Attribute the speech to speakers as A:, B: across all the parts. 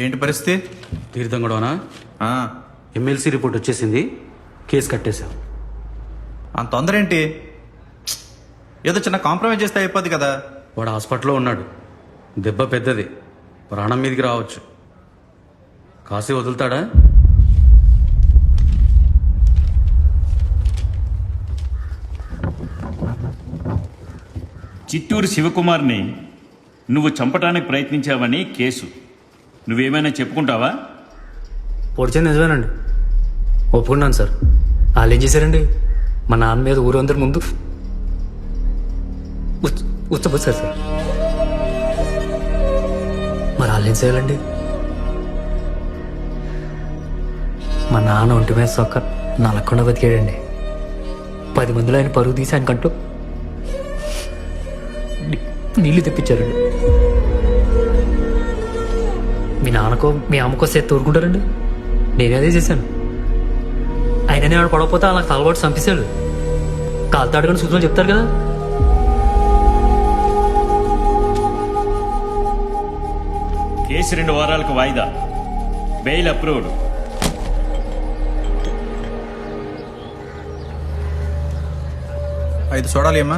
A: ఏంటి పరిస్థితి?
B: తీర్థం గొడవనా? ఎమ్మెల్సీ రిపోర్ట్ వచ్చేసింది, కేసు కట్టేశాం.
A: అంత తొందర ఏంటి? ఏదో చిన్న కాంప్రమైజ్ చేస్తే అయిపోద్ది కదా.
B: వాడు హాస్పిటల్లో ఉన్నాడు, దెబ్బ పెద్దది, ప్రాణం మీదకి రావచ్చు. కాసి వదులుతాడా?
C: చిత్తూరు శివకుమార్ని నువ్వు చంపడానికి ప్రయత్నించావని కేసు. నువ్వేమైనా చెప్పుకుంటావా?
D: పొడిచింది నిజమేనండి, ఒప్పుకున్నాను సార్. వాళ్ళు ఏం చేశారండి, మా నాన్న మీద ఊరందరి ముందు ఉచ్చబోసారు సార్. మరి వాళ్ళు ఏం చేయాలండి? మా నాన్న ఒంటి మీద సొక్క నలకుండా బతికాడండి. 10 మందిలో ఆయన పరుగు తీసి ఆయనకంటూ నీళ్లు తెప్పించారండి. మీ నాన్నకో మీ అమ్మకో సేత తోడుకుంటారండి. నేనే అదే చేశాను. ఆయన నేను పడకపోతే అలా తలబాటు చంపేశాడు. కాలుతో అడగని సూచనలు చెప్తారు కదా.
C: కేసు 2 వారాలకు వాయిదా. Bail approved.
A: ఐదు చూడాలి అమ్మా.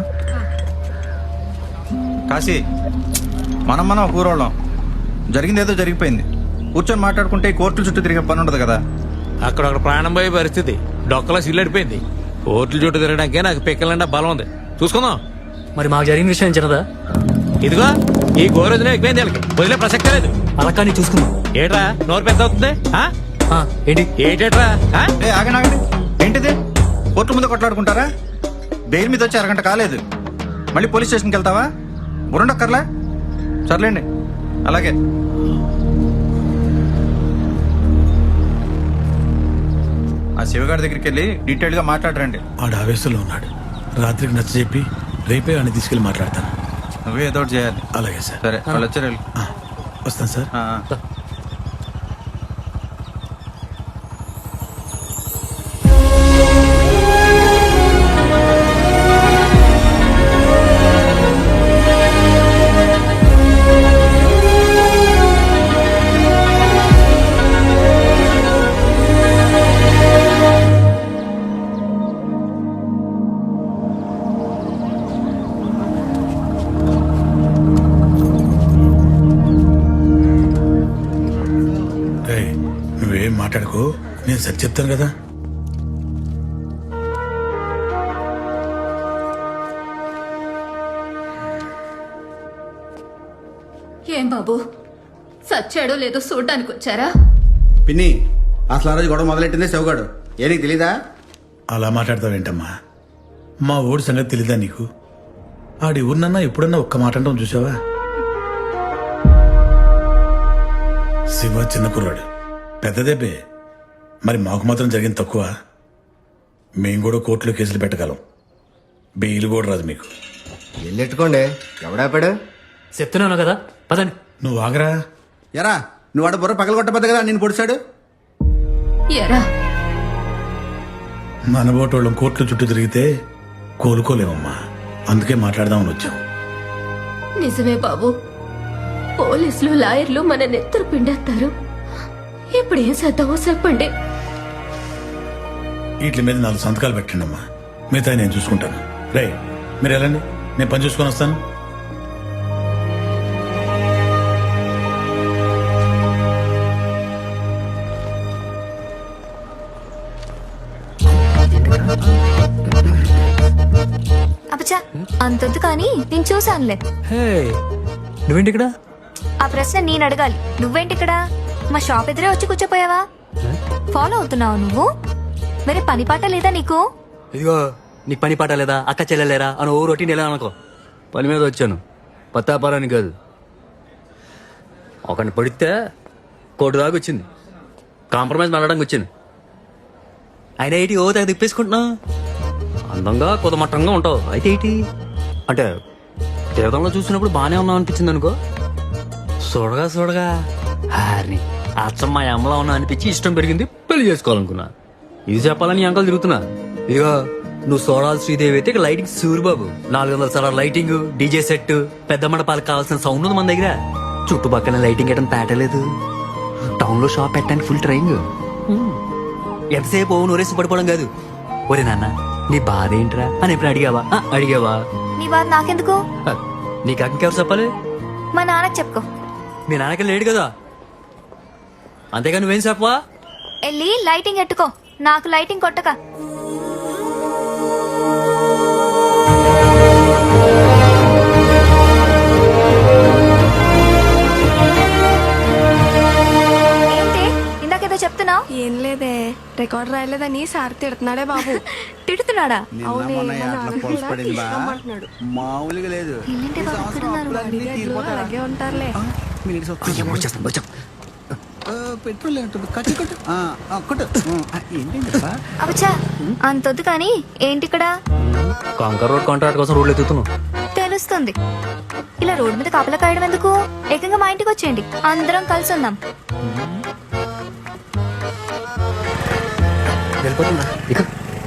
A: కాశీ, మనం ఒక ఊరోళ్ళం. జరిగింది ఏదో జరిగిపోయింది. కూర్చొని మాట్లాడుకుంటే ఈ కోర్టుల చుట్టూ తిరిగే పని ఉండదు కదా.
E: అక్కడ ఒక ప్రాణం పోయే పరిస్థితి, డొక్కలా సిల్లడిపోయింది. కోర్టుల చుట్టూ తిరగడానికే నాకు పిక్కలంటే బలం ఉంది. చూసుకుందాం.
D: మరి మాకు జరిగిన విషయం చిన్నదా?
E: ఇదిగో ఈ గోరోజునే ఎక్కువైంది, వాళ్ళకి వదిలే ప్రసక్తే లేదు.
D: అలా కానీ చూసుకుందాం.
E: ఏట్రా నోరు పెద్ద అవుతుంది?
D: ఏంటి
E: ఏటేట్రా?
A: ఆగండి, ఏంటిది? కోర్టు ముందు కొట్లాడుకుంటారా? బెయిల్ మీద వచ్చి అరగంట కాలేదు, మళ్ళీ పోలీస్ స్టేషన్కి వెళ్తావా? బురుండక్కర్లా? సర్లేండి, అలాగే. ఆ శివగారి దగ్గరికి వెళ్ళి డీటెయిల్ గా మాట్లాడరండి.
F: ఆడు ఆవేశంలో ఉన్నాడు. రాత్రికి నచ్చ చెప్పి రేపే అని తీసుకెళ్ళి మాట్లాడతాను.
A: నువ్వే ఏదో ఒకటి చేయాలి.
F: అలాగే సార్.
A: సరే, వాళ్ళు వచ్చారు.
F: వస్తాను సార్. నువ్వేం మాట్లాడుకో, నేను సరి చెప్తాను కదా.
G: ఏం బాబు, సచ్చాడో లేదో చూడ్డానికి వచ్చారా?
H: పిన్ని, అసలు ఆ రోజు గొడవ మొదలెట్టిందే శివగాడు. ఏ నీకు తెలీదా?
F: అలా మాట్లాడతావేంటమ్మా? మా ఊడి సంగతి తెలీదా నీకు? ఆడి ఊరినన్నా ఎప్పుడన్నా ఒక్క మాట అంటాం చూసావా? శివ చిన్న కుర్రాడు, పెద్దదేబే. మరి మాకు మాత్రం జరిగింది తక్కువ. మేము కూడా కోర్టులో కేసులు పెట్టగలం. బెయిల్ కూడా రాదు మీకు.
H: వెళ్ళెట్టుకోండి, ఎవడాపాడు?
D: చెప్తున్నాను కదా, పదండి.
F: నువ్వు ఆగరా.
H: ఎరా, నువ్వు ఆడ బుర్ర పగల కొట్టబద్దు కదా నేను పొడిచాడు.
G: ఎరా,
F: మనబోటోళ్ళం కోర్టుల చుట్టూ తిరిగితే కోలుకోలేమమ్మా. అందుకే మాట్లాడదామని వచ్చాం.
G: నిజమే బాబు, పోలీసులు లాయర్లు మన నెత్తరు పిండేస్తారు. ఇప్పుడు ఏం చేద్దామో చెప్పండి.
F: వీటి మీద 4 సంతకాలు పెట్టండి అమ్మా, మిగతా నేను చూసుకుంటాను. రే, మీరు వెళ్ళండి, నేను పని చూసుకొని వస్తాను.
I: అబ్బా, అంతొద్దు కానీ నేను చూసానులే.
D: నువ్వేంటి ఇక్కడ?
I: ఆ ప్రశ్న నేను అడగాలి, నువ్వేంటి ఇక్కడ? మా షాప్ ఎదురే వచ్చి కూర్చోపోయావా? ఫాలో అవుతున్నావు నువ్వు? మరి పని పాట లేదా నీకు?
D: ఇదిగో, నీకు పని పాట లేదా, అక్క చెల్లెలేరా అని ఓ రొటీన్ ఎలా అనుకో. పని మీద వచ్చాను, పత్తాపారానికి కాదు. ఒకరిని పడితే కోటి దాకా వచ్చింది, కాంప్రమైజ్ మాట్లాడడానికి వచ్చింది. ఆయన ఏంటి ఓ తెగ తిప్పేసుకుంటున్నావు? అందంగా కుదమట్టంగా ఉంటావు, అయితే ఏంటి అంటే తీర్థంలో చూసినప్పుడు బాగానే ఉన్నావు అనిపించింది అనుకో. చూడగా హారిని అచ్చం మా అమ్మలా ఉన్నా అనిపించి ఇష్టం పెరిగింది, పెళ్లి చేసుకోవాలనుకున్నా. ఇది చెప్పాలని అంకల్ తిరుగుతున్నా. ఇదిగో, నువ్వు సోడాల్ శ్రీదేవి అయితే లైటింగ్ సూరిబాబు. 400 సార్లు లైటింగ్, డీజే సెట్, పెద్ద మండపాలకు కావాల్సిన సౌండ్ ఉంది మన దగ్గర. చుట్టుపక్కల లైటింగ్ వేయడం తేటలేదు. టౌన్ లో షాప్ పెట్టడానికి ఫుల్ ట్రైంగ్. ఎంతసేపు నూరేసి పడిపోవడం కాదు. ఒరే నాన్న నీ బాధ ఏంట్రా అని ఎప్పుడు అడిగావా? అడిగావా?
I: నీ బాధ నాకెందుకు?
D: నీకు ఇంకెవరు చెప్పాలి?
I: మా నాన్నకి చెప్పుకో.
D: మీ నాన్నకి లేడు కదా, అంతేగా నువ్వేం చెప్పవా?
I: వెళ్ళి లైటింగ్ ఎట్టుకో, నాకు లైటింగ్ కొట్టక. ఏంటి ఇందాకేదో చెప్తున్నావు?
J: ఏం లేదే, రికార్డ్ రాయలేదని సార్ తిడుతున్నాడే బాబు.
I: తిడుతున్నాడా?
H: నిన్న మొన్న ఆటలో పొలసు పడింది బా. మామూలుగా లేదు.
I: ఏంటి బాబు ఇక్కడ ఉన్నారు?
J: అడిగేట్లు అలాగే ఉంటారులే.
H: పెట్రోల్ ఏంటి? కట్టు కట్టు కొట్టు. ఏంటండి బా?
I: అవచ్చా అంతొద్దు కానీ ఏంటి ఇక్కడ?
D: కాంకర్ రోడ్ కాంట్రాక్ట్ కోసం రోడ్లు ఎత్తుతున్నావు.
I: తెలుస్తుంది. ఇలా రోడ్డు మీద కాపలా కాయడం ఎందుకు? ఏకంగా మా ఇంటికి వచ్చేయండి, అందరం కలిసి ఉందాం.
D: వెళ్ళిపోతున్నా ఇక.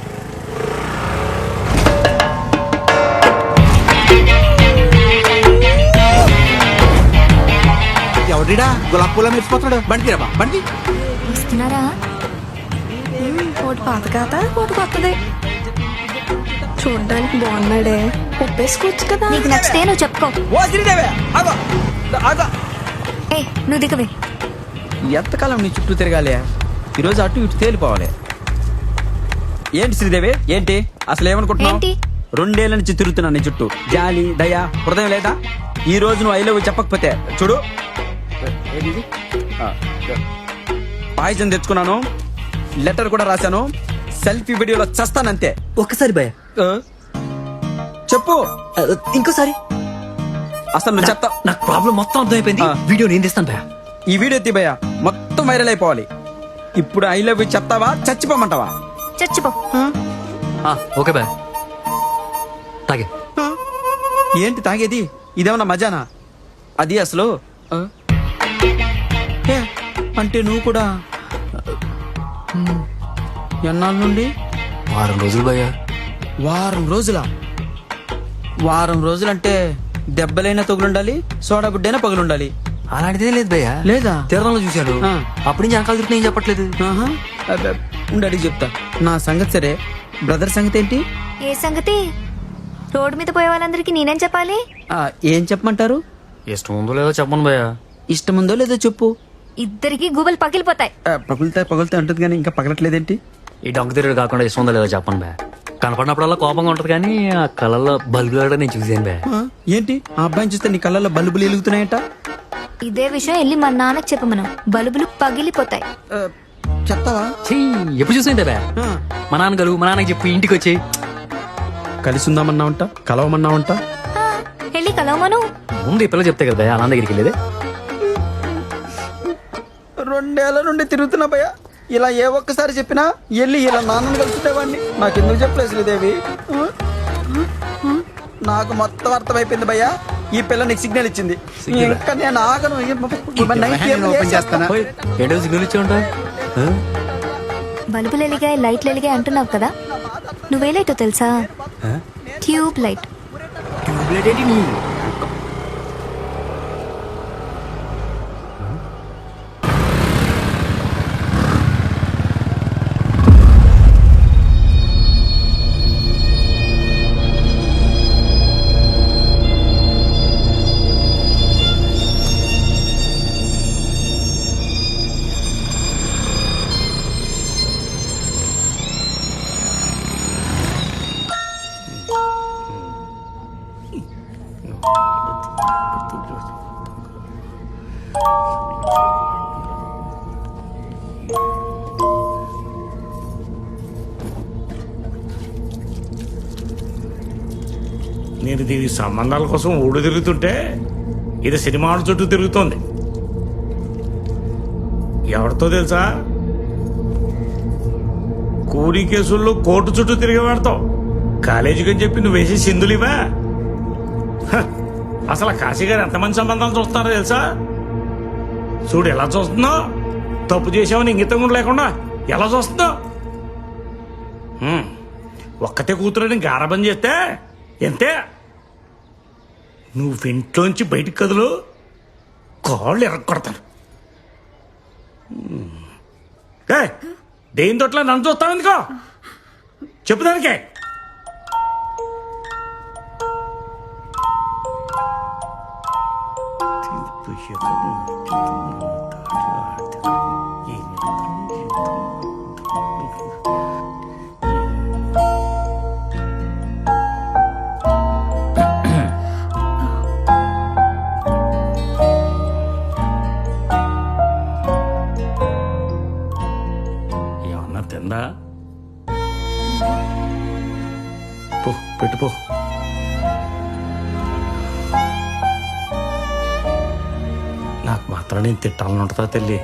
H: ఎవరిడా గులాబ్ పూల మెరిసిపోతున్నాడు? బండి తీరా బా, బండి.
I: వస్తున్నారా?
J: ఒకటి పాత కాత ఒకటి కొత్తది. చూడ్డానికి బాగున్నాడే, ఒప్పేసుకోవచ్చు కదా.
I: నీకు నచ్చితే నువ్వు చెప్పుకో.
H: ఓ శ్రీదేవి ఆగో ఆగో.
I: ఏ నువ్వు దిగవే.
K: ఎంతకాలం నీ చుట్టూ తిరగాలి? ఈరోజు అటు ఇటు తేలిపోవాలి. ఏంటి శ్రీదేవి, ఏంటి అసలు ఏమనుకుంటున్నావు?
I: ఏంటి?
K: 2 ఏళ్ల నుంచి తిరుగుతున్నా నీ చుట్టూ. జాలి దయ హృదయం లేదా? ఈ రోజు నువ్వు ఐ లవ్ యు చెప్పకపోతే చూడు, పాయిజన్ తెచ్చుకున్నాను, లెటర్ కూడా రాశాను, సెల్ఫీ వీడియోలో చస్తానంతే.
D: ఒక్కసారి భయ
K: చెప్పు
D: ఇంకోసారి.
K: అసలు నువ్వు చెప్తా.
D: నాకు ప్రాబ్లం మొత్తం అర్థమైపోయింది. వీడియో నేను తీస్తాను భయ.
K: ఈ వీడియో తీబయ్యా, మొత్తం వైరల్ అయిపోవాలి. ఇప్పుడు ఐ లవ్ యు చెప్తావా చచ్చిపోమంటావా?
I: చచ్చిపో.
D: Okay bye. తాగే.
K: ఏంటి తాగేది? ఇదేమన్నా మజానా? అది అసలు ఏ, అంటే నువ్వు కూడా ఎన్నాళ్ళ నుండి?
D: వారం రోజులు భయ.
K: వారం రోజులా? వారం రోజులంటే దెబ్బలైనా తగులుండాలి, సోడా బుడ్డైనా పగులుండాలి.
D: అలాంటిదే లేదు భయ్యా.
K: లేదా?
D: తీర్థంలో చూశాను. అప్పటి నుంచి అంకాలు తిరుగుతున్నా ఏం చెప్పట్లేదు.
K: ఉండి అడిగి చెప్తా. నా సంగతి సరే, బ్రదర్ సంగతి ఏంటి?
I: ఏ సంగతి? రోడ్డు మీద పోయే వాళ్ళందరికీ నేనేం చెప్పాలి?
K: ఏం చెప్పమంటారు?
D: ఇష్టం ఉందో లేదో చెప్పను భయ్యా.
K: ఇష్టం ఉందో లేదో చెప్పు.
I: ఇద్దరికి గుబలు పగిలిపోతాయి.
K: పగులుతా ఉంటుంది కానీ ఇంకా పగలట్లేదేంటి?
D: ఈ డొంక తిరుగుడు కాకుండా ఇష్టం ఉందో లేదో చెప్పను భయ్యా. కనపడినప్పుడల్లా కోపంగా ఉంటది కానీ ఆ కళ్ళల్లో బల్బులు నేను చూసాను భయ్యా.
K: ఏంటి ఆ అబ్బాయిని చూస్తే నీ కళ్ళల్లో బల్బులు వెలుగుతున్నాయట?
I: ఇదే విషయం వెళ్ళి మా నాన్నకి చెప్పమను, బల్బులు పగిలిపోతాయి.
K: చెప్తావా?
D: ఎప్పుడు చూసిందే భయ్యా. మా నాన్న గలు, మా నాన్నకి చెప్పి ఇంటికి వచ్చి
K: కలిసి ఉందామన్నావంట, కలవమన్నావంట.
I: వెళ్ళి కలవమను.
D: ముందు ఈ పిల్ల చెప్తే కదా భయ్యా నాన్న దగ్గరికి వెళ్ళేది.
K: 2 ఏళ్ల నుండి తిరుగుతున్నా భయ్య, ఇలా ఏ ఒక్కసారి చెప్పినా వెళ్ళి ఇలా నాన్నని కలుసుకునేవాడిని. నాకెందుకు చెప్పలేదు శ్రీదేవి? నాకు మొత్తం అర్థమైపోయింది భయ్య. ఈ పిల్ల నీకు సిగ్నల్ ఇచ్చింది, ఇంకా నేను ఆగను.
H: ఓపెన్ చేస్తానా?
D: ఏంటో సిగ్నల్ ఇచ్చే ఉంటా.
I: బల్బులు ఎలిగాయి, లైట్లు ఎలిగాయి అంటున్నావు కదా, నువ్వే లైటో తెలుసా? Tube light.
E: నేను దీని సంబంధాల కోసం ఊడు తిరుగుతుంటే ఇది సినిమాల చుట్టూ తిరుగుతోంది. ఎవరితో తెలుసా? కూలీ కేసుల్లో కోర్టు చుట్టూ తిరిగి పెడతావు. కాలేజీకి అని చెప్పి నువ్వు వేసే సింధులివా? అసలు కాశీ గారు ఎంతమంది సంబంధాలు చూస్తున్నారో తెలుసా? చూడు ఎలా చూస్తున్నావు. తప్పు చేసావని ఇంగితం కూడా లేకుండా ఎలా చూస్తున్నావు. ఒక్కతే కూతురని గారాబం చేస్తే ఎంతే. నువ్వు ఇంట్లోంచి బయటికి కదులు, కాళ్ళు ఎరగొడతాను. దేని తోట్ల నన్ను చూస్తాను ఎందుకో చెప్పు దానికే. ఏమన్నా తిందా? పో పెట్టుపో. నాకు మాత్రం నేను తిట్టాలని ఉంటుందా తల్లి?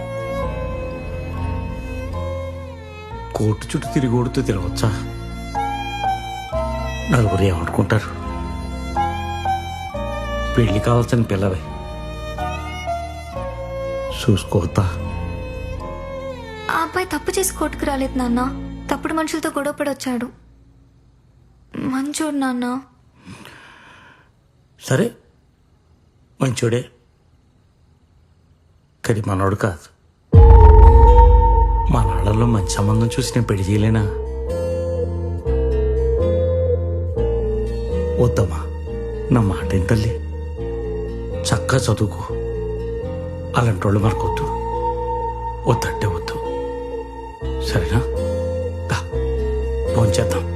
E: కోర్టు చుట్టూ తిరిగి కొడుతూ తిరగచ్చా? నలుగురు ఏమనుకుంటారు? పెళ్లి కావాల్సిన పిల్లవి చూసుకోవద్దా?
I: ఆ అబ్బాయి తప్పు చేసి కోర్టుకు రాలేదు నాన్న. తప్పుడు మనుషులతో గొడవపడి వచ్చాడు. మంచోడు నాన్న.
E: సరే మంచోడే, కానీ మనోడు కాదు. మా నాళ్ళలో మంచి సంబంధం చూసి నేను పెళ్లి చేయలేనా? వద్దమ్మా, నా మాట ఏం తల్లి, చక్కగా చదువుకో. అలాంటి వాళ్ళు మనకొద్దు. వద్దంటే వద్దు, సరేనా? భోంచేద్దాం.